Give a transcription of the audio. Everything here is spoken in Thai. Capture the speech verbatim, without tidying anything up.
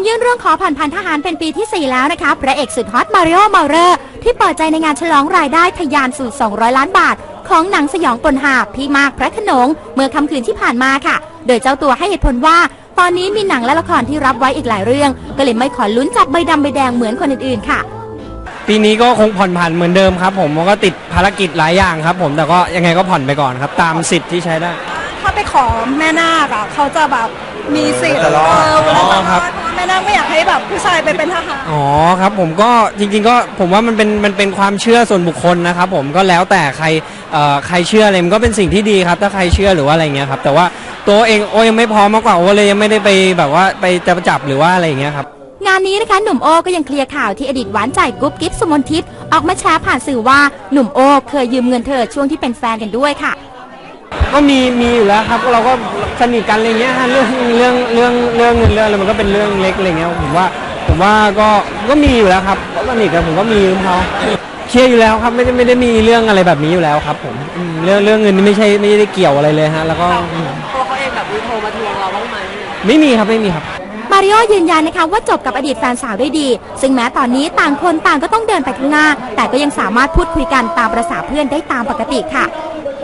ยื่นเรื่องขอผ่อนผันทหารเป็นปีที่สี่แล้วนะคะพระเอกสุดฮอตมาริโอเมาเรอร์ที่เปิดใจในงานฉลองรายได้ทะยานสู่สองร้อยล้านบาทของหนังสยองปนหาพี่มากพระโขนงเมื่อค่ำคืนที่ผ่านมาค่ะโดยเจ้าตัวให้เหตุผลว่าตอนนี้มีหนังและละครที่รับไว้อีกหลายเรื่องก็เลยไม่ขอลุ้นจับใบดำใบแดงเหมือนคนอื่นๆค่ะปีนี้ก็คงผ่อนผันเหมือนเดิมครับผมก็ติดภารกิจหลายอย่างครับผมแต่ก็ยังไงก็ผ่อนไปก่อนครับตามสิทธิ์ที่ใช้ได้ถ้าไปขอแม่นาคอะเขาจะแบบมีสิทธิ์เออเวลาสัมภาษณ์แม่นาคไม่อยากให้แบบผู้ชายไปเป็นทหารอ๋อครับผมก็จริงๆก็ผมว่ามันเป็นมันเป็นความเชื่อส่วนบุคคลนะครับผมก็แล้วแต่ใครเอ่อใครเชื่ออะไรมันก็เป็นสิ่งที่ดีครับถ้าใครเชื่อหรือว่าอะไรเงี้ยครับแต่ว่าตัวเองโอยังไม่พร้อมมากกว่าโอเลยยังไม่ได้ไปแบบว่าไปจะจับหรือว่าอะไรอย่างเงี้ยครับงานนี้นะคะหนุ่มโอก็ยังเคลียร์ข่าวที่อดีตหวานใจกุ๊บกิ๊บสุมนทิพย์ออกมาแชร์ผ่านสื่อว่าหนุ่มโอเคยยืมเงินเธอช่วงที่เป็นแฟนกันด้วยค่ะก็มีมีอยู่แล้วครับเราก็สนิทกันอะไรเงี้ยฮะเรื่องเรื่องเรื่องเรื่องเงินเรื่องอะไรมันก็เป็นเรื่องเล็กอะไรเงี้ยผมว่าผมว่าก็ก็มีอยู่แล้วครับก็สนิทกันผมก็มียืมเขาเชื่ออยู่แล้วครับไม่ได้ไม่ได้มีเรื่องอะไรแบบนี้อยู่แล้วครับผมเรื่องเรื่องเงินนี่ไม่ใช่ไม่ได้เกี่ยวอะไรเลยฮะแล้วก็ตัวเขาเองแบบมีโทรมาทวงเราบ้างไหมไม่มีครับไม่มีครับมาริโอยืนยันนะคะว่าจบกับอดีตแฟนสาวได้ดีซึ่งแม้ตอนนี้ต่างคนต่างก็ต้องเดินไปข้างหน้าแต่ก็ยังสามารถพูดคุยกันตามประสาเพื่อนได้ตามปกติค่ะ